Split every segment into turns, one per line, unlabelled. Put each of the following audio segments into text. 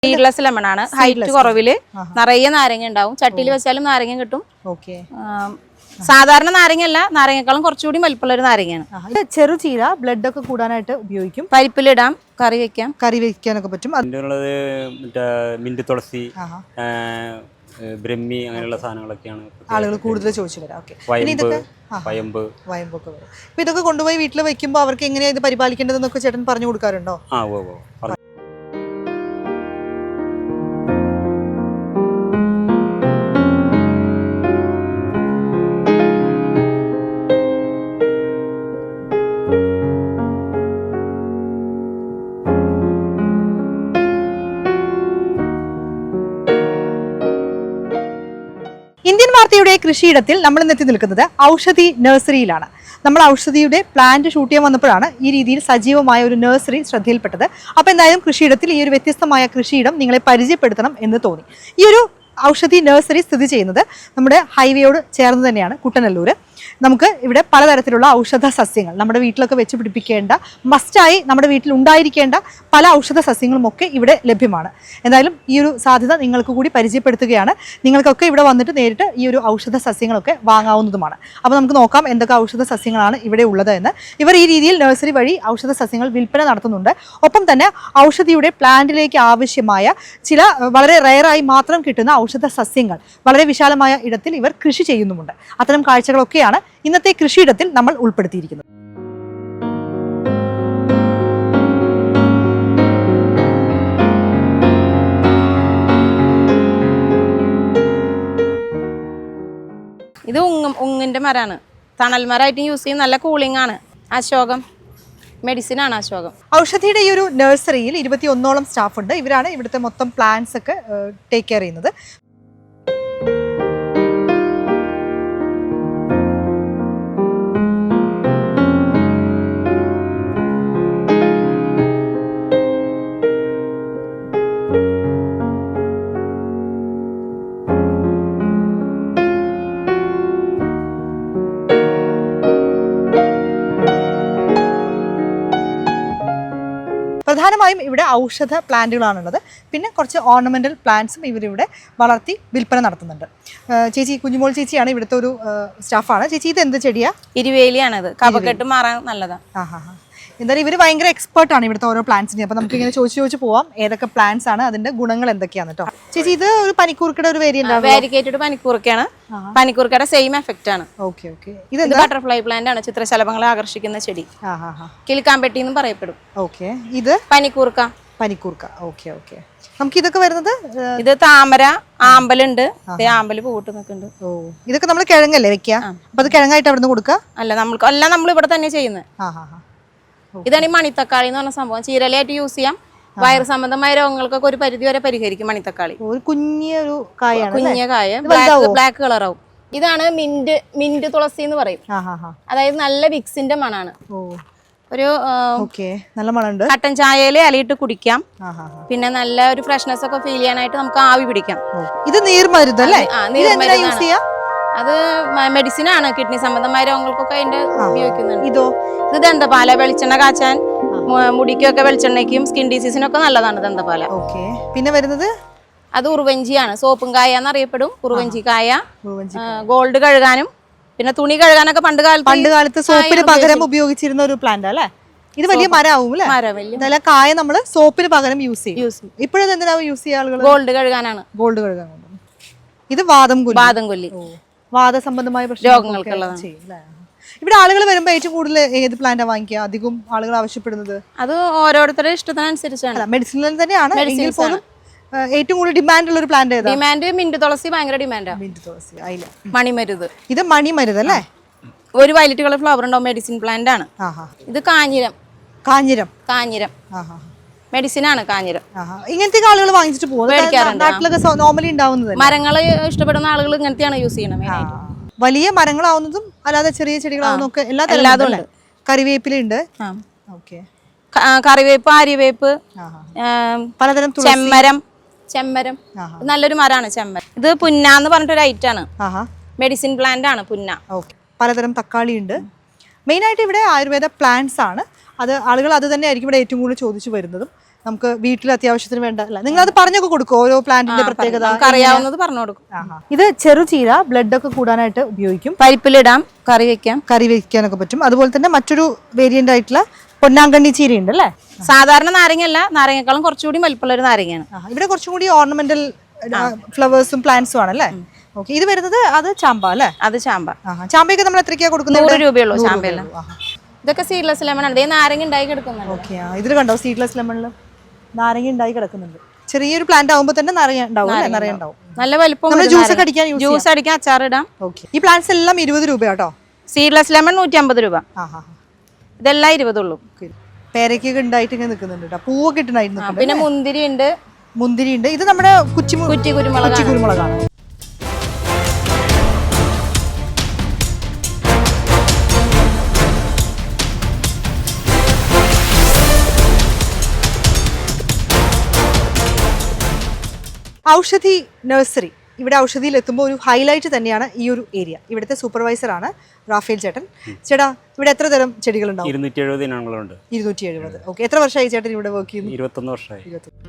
Seedless lemon ആണ്. Height കുറവില് നിറയെ നാരങ്ങ ഉണ്ടാവും. ചട്ടിയിൽ വെച്ചാലും നാരങ്ങ കിട്ടും. സാധാരണ നാരങ്ങയല്ല, നാരങ്ങക്കാളും കുറച്ചുകൂടി വലിപ്പമുള്ള ഒരു നാരങ്ങയാണ്.
ചെറുചീര ബ്ലഡ് ഒക്കെ കൂടാനായിട്ട് ഉപയോഗിക്കും.
പരിപ്പിലിടാം, കറി
വെക്കാനൊക്കെ പറ്റും.
മിന്റ് തുളസി, ബ്രഹ്മി അങ്ങനെയുള്ള സാധനങ്ങളൊക്കെയാണ്
ആളുകൾ കൂടുതൽ ചോദിച്ചു വരാം.
വയമ്പൊക്കെ
വരും. അപ്പൊ ഇതൊക്കെ കൊണ്ടുപോയി വീട്ടിൽ വെക്കുമ്പോൾ അവർക്ക് എങ്ങനെയാ ഇത് പരിപാലിക്കേണ്ടതെന്നൊക്കെ ചേട്ടൻ പറഞ്ഞു കൊടുക്കാറുണ്ടോ? ഇന്ത്യൻ വാർത്തയുടെ കൃഷിയിടത്തിൽ നമ്മൾ ഇന്നെത്തി നിൽക്കുന്നത് ഔഷധി നഴ്സറിയിലാണ്. നമ്മൾ ഔഷധിയുടെ പ്ലാന്റ് ഷൂട്ട് ചെയ്യാൻ വന്നപ്പോഴാണ് ഈ രീതിയിൽ സജീവമായ ഒരു നഴ്സറി ശ്രദ്ധയിൽപ്പെട്ടത്. അപ്പോൾ എന്തായാലും കൃഷിയിടത്തിൽ ഈ ഒരു വ്യത്യസ്തമായ കൃഷിയിടം നിങ്ങളെ പരിചയപ്പെടുത്തണം എന്ന് തോന്നി. ഈ ഒരു ഔഷധി നഴ്സറി സ്ഥിതി ചെയ്യുന്നത് നമ്മുടെ ഹൈവേയോട് ചേർന്ന് തന്നെയാണ്, കുട്ടനല്ലൂർ. നമുക്ക് ഇവിടെ പലതരത്തിലുള്ള ഔഷധ സസ്യങ്ങൾ നമ്മുടെ വീട്ടിലൊക്കെ വെച്ച് പിടിപ്പിക്കേണ്ട, മസ്റ്റായി നമ്മുടെ വീട്ടിൽ ഉണ്ടായിരിക്കേണ്ട പല ഔഷധ സസ്യങ്ങളും ഒക്കെ ഇവിടെ ലഭ്യമാണ്. എന്തായാലും ഈ ഒരു സാധ്യത നിങ്ങൾക്ക് കൂടി പരിചയപ്പെടുത്തുകയാണ്. നിങ്ങൾക്കൊക്കെ ഇവിടെ വന്നിട്ട് നേരിട്ട് ഈ ഒരു ഔഷധ സസ്യങ്ങളൊക്കെ വാങ്ങാവുന്നതുമാണ്. അപ്പോൾ നമുക്ക് നോക്കാം എന്തൊക്കെ ഔഷധ സസ്യങ്ങളാണ് ഇവിടെ ഉള്ളത് എന്ന്. ഇവർ ഈ രീതിയിൽ നഴ്സറി വഴി ഔഷധ സസ്യങ്ങൾ വിൽപ്പന നടത്തുന്നുണ്ട്. ഒപ്പം തന്നെ ഔഷധിയുടെ പ്ലാന്റിലേക്ക് ആവശ്യമായ ചില വളരെ റെയറായി മാത്രം കിട്ടുന്ന ഔഷധ സസ്യങ്ങൾ വളരെ വിശാലമായ ഇടത്തിൽ ഇവർ കൃഷി ചെയ്യുന്നുമുണ്ട്. അത്തരം കാഴ്ചകളൊക്കെയാണ് ഇന്നത്തെ കൃഷിയിടത്തിൽ നമ്മൾ ഉൾപ്പെടുത്തിയിരിക്കുന്നത്.
ഇത് ഉങ്ങിന്റെ മരമാണ്. തണൽ മരമായിട്ട് യൂസ് ചെയ്യും. നല്ല കൂളിംഗ് ആണ്. അശോകം മെഡിസിൻ ആണ് അശോകം.
ഔഷധിയുടെ ഈ ഒരു നഴ്സറിയിൽ 21ഓളം സ്റ്റാഫ് ഉണ്ട്. ഇവരാണ് ഇവിടുത്തെ മൊത്തം പ്ലാന്റ്സ് ഒക്കെ ടേക്ക് കെയർ ചെയ്യുന്നത്. പ്രധാനമായും ഇവിടെ ഔഷധ പ്ലാന്റുകളാണുള്ളത്. പിന്നെ കുറച്ച് ഓർണമെന്റൽ പ്ലാന്റ്സും ഇവരിവിടെ വളർത്തി വിൽപ്പന നടത്തുന്നുണ്ട്. ചേച്ചി, കുഞ്ഞുമോൾ ചേച്ചിയാണ് ഇവിടുത്തെ ഒരു സ്റ്റാഫാണ്. ചേച്ചി, ഇത് എന്ത് ചെടിയാ?
ഇരുവേലിയാണത്. കഫക്കെട്ട് മാറാൻ നല്ലതാണ്.
എന്തായാലും ഇവർ ഭയങ്കര എക്സ്പേർട്ടാണ് ഇവിടുത്തെ ഓരോ പ്ലാന്റ്സിനെ. അപ്പോൾ നമുക്ക് ഇങ്ങനെ ചോദിച്ചു പോവാം ഏതൊക്കെ പ്ലാന്റ്സ് ആണ്, അതിന്റെ ഗുണങ്ങൾ എന്തൊക്കെയാണ് കേട്ടോ. ചേച്ചി, ഇത് ഒരു പനിക്കൂർക്കയുടെ ഒരു
വാരിക്കേറ്റഡ് പനിക്കൂർക്കയാണ്. പനിക്കൂർക്കയുടെ സെയിം എഫക്റ്റ് ആണ്.
ഇത്
ബട്ടർഫ്ലൈ പ്ലാന്റ് ആണ്. ചിത്രശലഭങ്ങളെ ആകർഷിക്കുന്ന ചെടി. കിളിക്കാമ്പെട്ടി എന്നും പറയപ്പെടും.
ഇത്
പനിക്കൂർക്ക.
നമുക്ക് ഇതൊക്കെ വരുന്നത്,
ഇത് താമര, ആമ്പലുണ്ട്. ആമ്പല് പൂട്ട് നിൽക്കുന്നുണ്ട്.
ഇതൊക്കെ നമ്മൾ കിഴങ്ങല്ലേ വെക്കുക? അപ്പൊ അത് കിഴങ്ങായിട്ട് അവിടെ നിന്ന് കൊടുക്കുക?
അല്ല, നമ്മൾ ഇവിടെ തന്നെ ചെയ്യുന്നത്. ഇതാണ് ഈ മണിത്തക്കാളി എന്ന് പറഞ്ഞ സംഭവം. ചീരലയായിട്ട് യൂസ് ചെയ്യാം. വയറ് സംബന്ധമായ രോഗങ്ങൾക്കൊക്കെ ഒരു പരിധി വരെ പരിഹരിക്കും മണിത്തക്കാളി.
ഒരു കുഞ്ഞൊരു കായാണ്.
കുഞ്ഞ കായ, ബ്ലാക്ക് കളറാവും. ഇതാണ് മിന്റ് തുളസി എന്ന് പറയും. അതായത് നല്ല വിക്സിന്റെ മണാണ്. ഒരു
നല്ല മണമുണ്ട്.
കട്ടൻ ചായയില് ഇലയിട്ട് കുടിക്കാം. പിന്നെ നല്ല ഒരു ഫ്രഷ്നെസ് ഒക്കെ ഫീൽ ചെയ്യാനായിട്ട് നമുക്ക് ആവി പിടിക്കാം.
ഇത് നീർമരുന്നല്ലേ?
അത് മെഡിസിൻ ആണ്. കിഡ്നി സംബന്ധമായ രോഗങ്ങൾക്കൊക്കെ അതിന്റെ ഉപയോഗിക്കുന്നുണ്ട്. ഇത് ദന്തപാല, വെളിച്ചെണ്ണ കാച്ചാൻ, മുടിക്കൊക്കെ വെളിച്ചെണ്ണയ്ക്കും സ്കിൻ ഡിസീസിനൊക്കെ നല്ലതാണ് ദന്തപാല.
പിന്നെ വരുന്നത്
അത് ഉറുവഞ്ചിയാണ്. സോപ്പും കായ എന്നറിയപ്പെടും. ഉറുവഞ്ചി കായ ഗോൾഡ് കഴുകാനും പിന്നെ തുണി കഴുകാനൊക്കെ പണ്ട് കാലത്ത്
സോപ്പിന് പകരം ഉപയോഗിച്ചിരുന്ന ഒരു പ്ലാന്റ് അല്ലേ? ഇത് വലിയ മരമാവും അല്ലേ? കായ നമ്മള് സോപ്പിന് പകരം യൂസ് ചെയ്യും. ഇപ്പോഴത് എന്തിനാ യൂസ് ചെയ്യുക ആളുകൾ?
ഗോൾഡ് കഴുകാനാണ്.
ഇത് വാദംകൊല്ലി. വാദസംബന്ധമായ രോഗങ്ങൾക്കുള്ളതാണ്. ഇവിടെ ആളുകൾ വരുമ്പോൾ ഏറ്റവും കൂടുതൽ ഏത് പ്ലാന്റാ വാങ്ങിക്കുക? അധികം ആളുകൾ ആവശ്യപ്പെടുന്നത്
അത് ഓരോരുത്തരുടെ ഇഷ്ടത്തിനനുസരിച്ചാണ്.
മെഡിസിനിൽ തന്നെയാണ്. എങ്കിൽ പോലും ഏറ്റവും കൂടുതൽ ഡിമാൻഡ് ഉള്ള ഒരു പ്ലാന്റ് ഏതാ?
ഡിമാൻഡ് മിന്റ് തുളസി ഭയങ്കര ഡിമാൻഡാ.
മിന്റ് തുളസി, അതില
മണിമരുത്.
ഇത് മണിമരുത് അല്ലേ?
ഒരു വയലറ്റ് കളർ ഫ്ലവർ ഉണ്ടാവും. മെഡിസിൻ പ്ലാന്റ് ആണ്. ഇത് കാഞ്ഞിരം മെഡിസിൻ ആണ്. കാഞ്ഞിരം
ഇങ്ങനത്തെ ആളുകൾ വാങ്ങിച്ചിട്ട് പോകും. നോർമലി ഉണ്ടാവുന്നത്
മരങ്ങൾ ഇഷ്ടപ്പെടുന്ന ആളുകൾ ഇങ്ങനത്തെയാണ് യൂസ് ചെയ്യണം.
വലിയ മരങ്ങളാവുന്നതും അല്ലാതെ ചെറിയ ചെടികളാവുന്നതും ഒക്കെ എല്ലാതും ഉണ്ട്. കറിവേപ്പിലുണ്ട്.
കറിവേപ്പ്, ആര്യവേപ്പ്, പലതരം ചെമ്മരം നല്ലൊരു മരമാണ് ചെമ്മരം. ഇത് പുന്ന എന്ന് പറഞ്ഞിട്ടൊരു ഐറ്റാണ്. മെഡിസിൻ പ്ലാന്റ് ആണ് പുന്ന.
പലതരം തക്കാളി ഉണ്ട്. മെയിനായിട്ട് ഇവിടെ ആയുർവേദ പ്ലാന്റ്സ് ആണ്. അത് ആളുകൾ അത് തന്നെ ആയിരിക്കും ഇവിടെ ഏറ്റവും കൂടുതൽ ചോദിച്ചു വരുന്നതും. നമുക്ക് വീട്ടിൽ അത്യാവശ്യത്തിന് വേണ്ട അല്ല നിങ്ങൾ അത് പറഞ്ഞൊക്കെ കൊടുക്കും ഓരോ പ്ലാന്റിന്റെ പ്രത്യേകത
നമുക്ക് അറിയാവുന്നത് പറഞ്ഞു കൊടുക്കും.
ഇത് ചെറുചീര ബ്ലഡ് ഒക്കെ കൂടാനായിട്ട് ഉപയോഗിക്കും,
പരിപ്പിലിടാം, കറി വെക്കാം,
കറി വെക്കാനൊക്കെ പറ്റും. അതുപോലെ തന്നെ മറ്റൊരു വേരിയന്റ് ആയിട്ടുള്ള പൊന്നാങ്കണ്ണി ചീര ഉണ്ട് അല്ലേ?
സാധാരണ നാരങ്ങയല്ല, നാരങ്ങക്കാളും കുറച്ചുകൂടി വലിപ്പമുള്ള ഒരു നാരങ്ങയാണ്.
ഇവിടെ കുറച്ചും കൂടി ഓർണമെന്റൽ ഫ്ലവേഴ്സും പ്ലാന്റ്സും ആണല്ലേ? ഓക്കെ, ഇത് വരുന്നത് അത് ചാമ്പ അല്ലേ?
അത് ചാമ്പ.
ചാമ്പയൊക്കെ നമ്മൾ എത്രയ്ക്കാ കൊടുക്കുന്നത്?
100 രൂപയുള്ളൂ ചാമ്പയെല്ലാം. ഇതൊക്കെ സീഡ്ലെസ് ലെമൺ ആണ്. നാരങ്ങ ഉണ്ടായി കിടക്കുന്നുണ്ട്.
ഓക്കെ, ഇതിൽ കണ്ടോ സീഡ്ലെസ് ലെമണിൽ നാരങ്ങ ഉണ്ടായി കിടക്കുന്നുണ്ട്. ചെറിയൊരു പ്ലാന്റ് ആകുമ്പോൾ തന്നെ നിറയെ ഉണ്ടാവും.
നല്ല വലിപ്പം.
ജ്യൂസ് അടിക്കാൻ
ജ്യൂസ് അടിക്കാൻ അച്ചാറിടാം.
ഓക്കെ, ഈ പ്ലാന്റ്സ് എല്ലാം 20 രൂപ കേട്ടോ.
സീഡ്ലെസ് ലെമൺ 150 രൂപ. ഇതെല്ലാം 20 ഉള്ളൂ.
പേരക്കൊക്കെ ഉണ്ടായിട്ട് ഇങ്ങനെ നിൽക്കുന്നുണ്ട് കേട്ടോ. പൂവൊക്കെ ഇട്ടുണ്ടായിരുന്നു.
പിന്നെ മുന്തിരി ഉണ്ട്.
ഇത് നമ്മുടെ കുറ്റി കുരുമുളകാണ്. ഔഷധി നഴ്സറി. ഇവിടെ ഔഷധിയിൽ എത്തുമ്പോൾ ഒരു ഹൈലൈറ്റ് തന്നെയാണ് ഈ ഒരു ഏരിയ. ഇവിടുത്തെ സൂപ്പർവൈസറാണ് റാഫേൽ ചേട്ടൻ. ചേട്ടാ, ഇവിടെ എത്ര തരം ചെടികളുണ്ടാവും?
270 ഇനങ്ങളുണ്ട്.
270. ഓക്കെ, എത്ര വർഷമായി ചേട്ടൻ ഇവിടെ വർക്ക് ചെയ്യുന്നു?
21 വർഷമായി.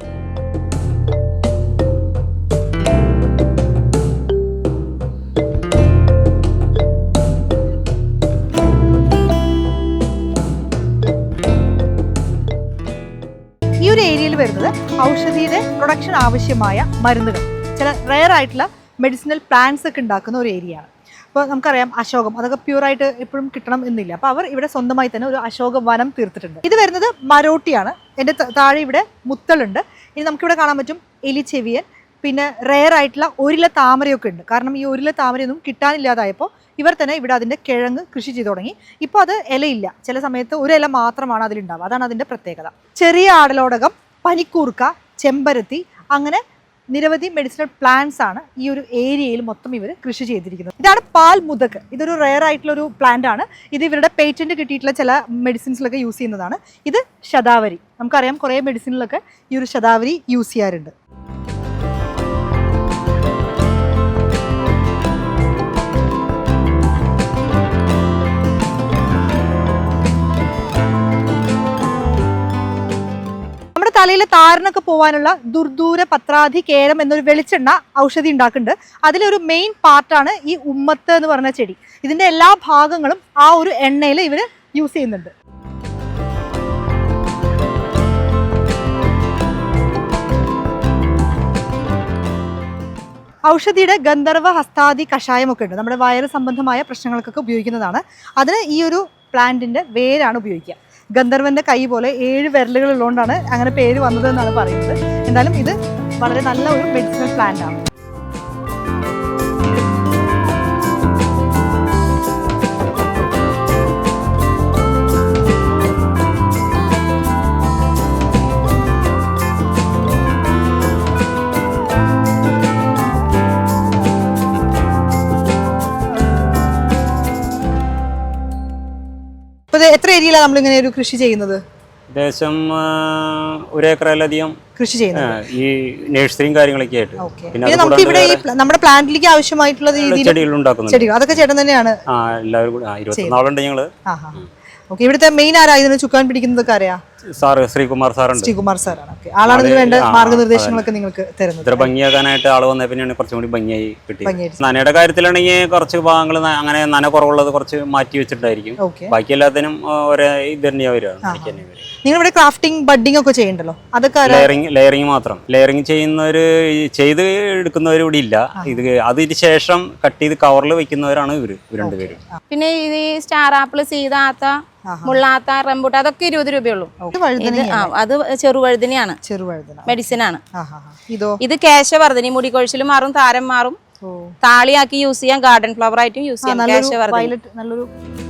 ഈ ഒരു ഏരിയയിൽ വരുന്നത് ഔഷധിയുടെ പ്രൊഡക്ഷൻ ആവശ്യമായ മരുന്നുകൾ, ചില റെയർ ആയിട്ടുള്ള മെഡിസിനൽ പ്ലാന്റ്സ് ഒക്കെ ഉണ്ടാക്കുന്ന ഒരു ഏരിയ ആണ്. അപ്പോൾ നമുക്കറിയാം അശോകം, അതൊക്കെ പ്യൂറായിട്ട് എപ്പോഴും കിട്ടണം എന്നില്ല. അപ്പോൾ അവർ ഇവിടെ സ്വന്തമായി തന്നെ ഒരു അശോക വനം തീർത്തിട്ടുണ്ട്. ഇത് വരുന്നത് മരോട്ടിയാണ്. എൻ്റെ താഴെ ഇവിടെ മുത്തളുണ്ട്. ഇനി നമുക്കിവിടെ കാണാൻ പറ്റും എലിച്ചെവിയൻ, പിന്നെ റെയർ ആയിട്ടുള്ള ഒരില താമരയൊക്കെ ഉണ്ട്. കാരണം ഈ ഒരില താമരയൊന്നും കിട്ടാനില്ലാതായപ്പോൾ ഇവർ തന്നെ ഇവിടെ അതിൻ്റെ കിഴങ്ങ് കൃഷി ചെയ്തു തുടങ്ങി. ഇപ്പോൾ അത് ഇലയില്ല, ചില സമയത്ത് ഒരു ഇല മാത്രമാണ് അതിലുണ്ടാവുക. അതാണ് അതിൻ്റെ പ്രത്യേകത. ചെറിയ ആടലോടകം, പനിക്കൂർക്ക, ചെമ്പരത്തി, അങ്ങനെ നിരവധി മെഡിസിനൽ പ്ലാന്റ്സ് ആണ് ഈ ഒരു ഏരിയയിൽ മൊത്തം ഇവർ കൃഷി ചെയ്തിരിക്കുന്നത്. ഇതാണ് പാൽ മുതക്. ഇതൊരു റെയർ ആയിട്ടുള്ള ഒരു പ്ലാന്റ് ആണ്. ഇത് ഇവരുടെ പേറ്റന്റ് കിട്ടിയിട്ടുള്ള ചില മെഡിസിൻസിലൊക്കെ യൂസ് ചെയ്യുന്നതാണ്. ഇത് ശതാവരി. നമുക്കറിയാം കുറേ മെഡിസിനിലൊക്കെ ഈ ഒരു ശതാവരി യൂസ് ചെയ്യാറുണ്ട്. തലയിലെ താരനൊക്കെ പോകാനുള്ള ദുർദൂര പത്രാധി കേരം എന്നൊരു വെളിച്ചെണ്ണ ഔഷധി ഉണ്ടാക്കുന്നുണ്ട്. അതിലൊരു മെയിൻ പാർട്ടാണ് ഈ ഉമ്മത്ത് എന്ന് പറഞ്ഞ ചെടി. ഇതിന്റെ എല്ലാ ഭാഗങ്ങളും ആ ഒരു എണ്ണയിൽ ഇവർ യൂസ് ചെയ്യുന്നുണ്ട്. ഔഷധിയുടെ ഗന്ധർവ ഹസ്താദി കഷായമൊക്കെ ഉണ്ട്. നമ്മുടെ വയറ് സംബന്ധമായ പ്രശ്നങ്ങൾക്കൊക്കെ ഉപയോഗിക്കുന്നതാണ്. അതിന് ഈ ഒരു പ്ലാന്റിന്റെ വേരാണ് ഉപയോഗിക്കുക. ഗന്ധർവന്റെ കൈ പോലെ 7 വിരലുകൾ ഉള്ളതുകൊണ്ടാണ് അങ്ങനെ പേര് വന്നത് എന്നാണ് പറയുന്നത്. എന്തായാലും ഇത് വളരെ നല്ല ഒരു മെഡിസിനൽ പ്ലാന്റ് ആണ്. എത്ര ഏരിയയിലാണ് നമ്മൾ ഇങ്ങനെ ഒരു കൃഷി ചെയ്യുന്നത്?
ഏകദേശം 1 ഏക്കറിലധികം
കൃഷി ചെയ്യുന്നത്
ഈ നഴ്സറിയും കാര്യങ്ങളൊക്കെ ആയിട്ട്.
പിന്നെ നമുക്ക് ഇവിടെ ഈ നമ്മുടെ പ്ലാന്റിലേക്ക് ആവശ്യമായിട്ടുള്ള രീതിയിൽ
ചെടികൾ ഉണ്ടാക്കുന്നു.
ചെടികൾ അതൊക്കെ ചേട്ടൻ തന്നെയാണ്?
എല്ലാവരും കൂടി 21 ആളുണ്ട് ഞങ്ങള്.
ഓക്കെ, ഇവിടുത്തെ മെയിൻ ആരാ ഇതിന് ചുക്കാൻ പിടിക്കുന്നതൊക്കെ അറിയാം?
സാറ് ശ്രീകുമാർ സാറുണ്ട്.
ശ്രീകുമാർ സാറാണ്. ആളാണ് ഇതിന് വേണ്ട മാർഗനിർദ്ദേശങ്ങളൊക്കെ നിങ്ങൾക്ക് തരുന്നത്.
ഇത്ര ഭംഗിയാക്കാനായിട്ട് ആള് വന്ന പിന്നെയാണ് കുറച്ചും കൂടി ഭംഗിയായി കിട്ടി. നനയുടെ കാര്യത്തിലാണെങ്കിൽ കുറച്ച് ഭാഗങ്ങൾ അങ്ങനെ നന കുറവുള്ളത് കുറച്ച് മാറ്റി വെച്ചിട്ടായിരിക്കും. ബാക്കി എല്ലാത്തിനും ഒരേ ഇത് തന്നെയാ വരിക.
നിങ്ങൾ ഇവിടെ ക്രാഫ്റ്റിംഗ് ബഡ്ഡിംഗ് ഒക്കെ ചെയ്യണ്ടല്ലോ, അതൊക്കെ
ലെയറിംഗ് മാത്രം. ലെയറിംഗ് ചെയ്യുന്നവര് ചെയ്ത് എടുക്കുന്നവരും ഇവിടെ ഇല്ല. ഇത് അതിന് ശേഷം കട്ട് ചെയ്ത് കവറിൽ വെക്കുന്നവരാണ് ഇവര് രണ്ടുപേരും.
പിന്നെ ഇത് സ്റ്റാർ ആപ്പിൾ, സീതാത്ത, മുള്ളാത്ത, റംബൂട്ടാൻ അതൊക്കെ 20 രൂപയുള്ളൂ. അത് ചെറുവഴുതനയാണ്, മെഡിസിൻ ആണ്. ഇത് കേശവർദ്ധനി, മുടി കൊഴിച്ചിൽ മാറും, താരം മാറും, താളിയാക്കി യൂസ് ചെയ്യാം, ഗാർഡൻ ഫ്ലവർ ആയിട്ടും യൂസ് ചെയ്യാം. കേശവർദ്ധനി
നല്ലൊരു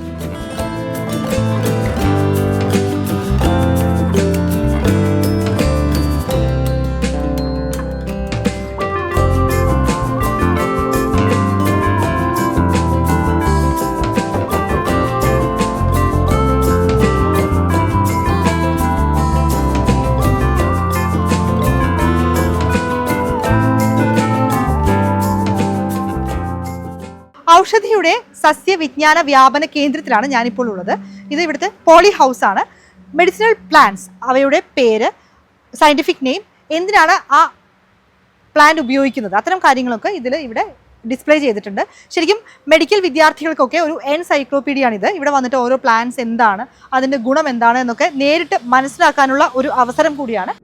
ഔഷധിയുടെ സസ്യവിജ്ഞാന വ്യാപന കേന്ദ്രത്തിലാണ് ഞാനിപ്പോൾ ഉള്ളത്. ഇത് ഇവിടുത്തെ പോളി ഹൗസ് ആണ്. മെഡിസിനൽ പ്ലാന്റ്സ്, അവയുടെ പേര് സയന്റിഫിക് നെയിം, എന്തിനാണ് ആ പ്ലാന്റ് ഉപയോഗിക്കുന്നത്, അത്തരം കാര്യങ്ങളൊക്കെ ഇവിടെ ഡിസ്പ്ലേ ചെയ്തിട്ടുണ്ട്. ശരിക്കും മെഡിക്കൽ വിദ്യാർത്ഥികൾക്കൊക്കെ ഒരു എൻസൈക്ലോപീഡിയാണിത്. ഇവിടെ വന്നിട്ട് ഓരോ പ്ലാന്റ്സ് എന്താണ്, അതിൻ്റെ ഗുണം എന്താണ് എന്നൊക്കെ നേരിട്ട് മനസ്സിലാക്കാനുള്ള ഒരു അവസരം കൂടിയാണ്.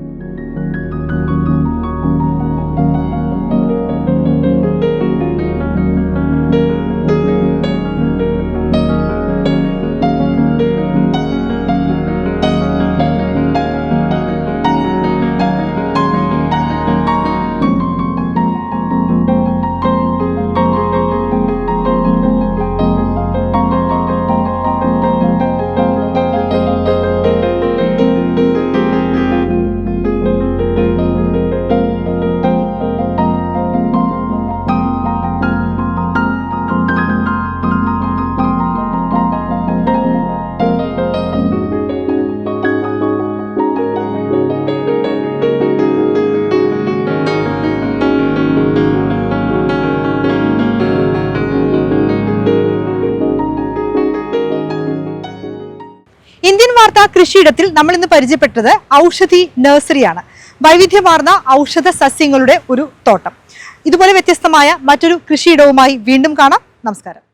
ഇന്ത്യൻ വാർത്താ കൃഷിയിടത്തിൽ നമ്മൾ ഇന്ന് പരിചയപ്പെട്ടത് ഔഷധി നഴ്സറിയാണ്. വൈവിധ്യമാർന്ന ഔഷധ സസ്യങ്ങളുടെ ഒരു തോട്ടം. ഇതുപോലെ വ്യത്യസ്തമായ മറ്റൊരു കൃഷിയിടവുമായി വീണ്ടും കാണാം. നമസ്കാരം.